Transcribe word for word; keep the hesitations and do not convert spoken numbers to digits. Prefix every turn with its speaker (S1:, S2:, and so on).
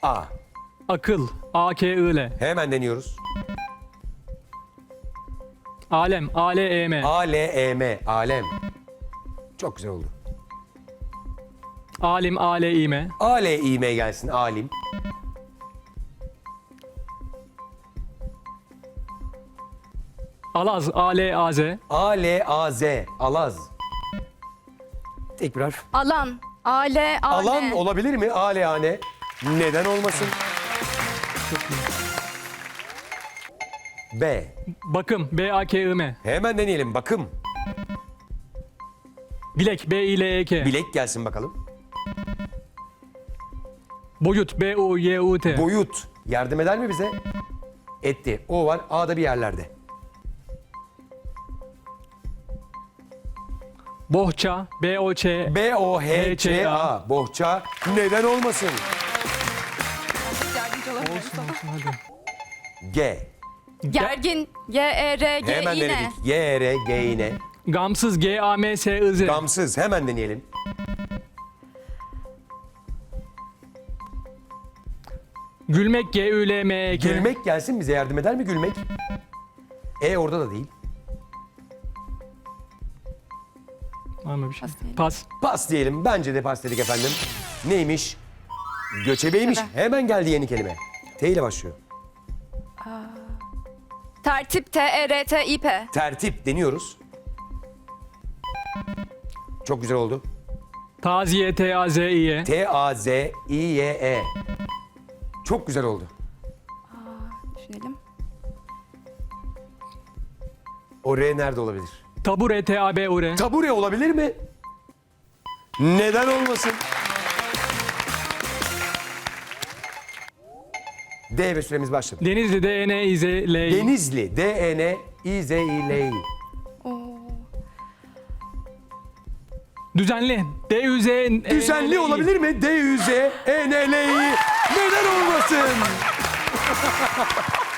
S1: A.
S2: Akıl. A K I L.
S1: Hemen deniyoruz.
S2: Alem. A L E M.
S1: A, L, E, M. Alem. Çok güzel oldu.
S2: Alim. A L İ M.
S1: A, L, İ, M gelsin. Alim.
S2: Alaz. A L A Z.
S1: A, L, A, Z. Alaz. Tek bir harf.
S3: Alan. A L A N.
S1: Alan olabilir mi? A, L, A, N. Neden olmasın? B.
S2: Bakım. B A K I M.
S1: Hemen deneyelim. Bakım.
S2: Bilek. B I L E K.
S1: Bilek gelsin bakalım.
S2: Boyut. B U Y U T.
S1: Boyut. Yardım eder mi bize? Etti. O var. A'da bir yerlerde.
S2: Bohça. B O Ç.
S1: B, O, H, Ç, A. Bohça. Neden olmasın?
S3: Yardımcı olabilirim sana.
S1: G.
S3: Gergin. G E R G
S1: Hemen
S3: İ N.
S1: denedik. G, E, R, G, İ, N.
S2: Gamsız. G A M S I Z.
S1: Gamsız. Hemen deneyelim.
S2: Gülmek. G Ü L M E K.
S1: Gülmek gelsin, bize yardım eder mi gülmek? E orada da değil.
S2: Var mı bir şey?
S3: Pas diyelim.
S2: Pas.
S1: Pas diyelim. Bence de pas dedik efendim. Neymiş? Göçebeymiş.
S3: Göçebe.
S1: Hemen geldi yeni kelime. T ile başlıyor.
S3: Tertip. T E R T İ P.
S1: Tertip deniyoruz. Çok güzel oldu.
S2: Taziye. T A Z İ Y.
S1: T, A, Z, İ, Y, E. Çok güzel oldu.
S3: Düşünelim.
S1: O R nerede olabilir?
S2: Tabure. T A B U R.
S1: Tabure olabilir mi? Neden olmasın? D ve süremiz başladı.
S2: Denizli. D N İ Z L I.
S1: Denizli. D, E, N, İ, Z, İ, L, İ.
S3: Oo.
S2: Düzenli. D Ü Z N L I.
S1: Düzenli olabilir mi? D, Ü, Z, E, N, L, İ. Neden olmasın?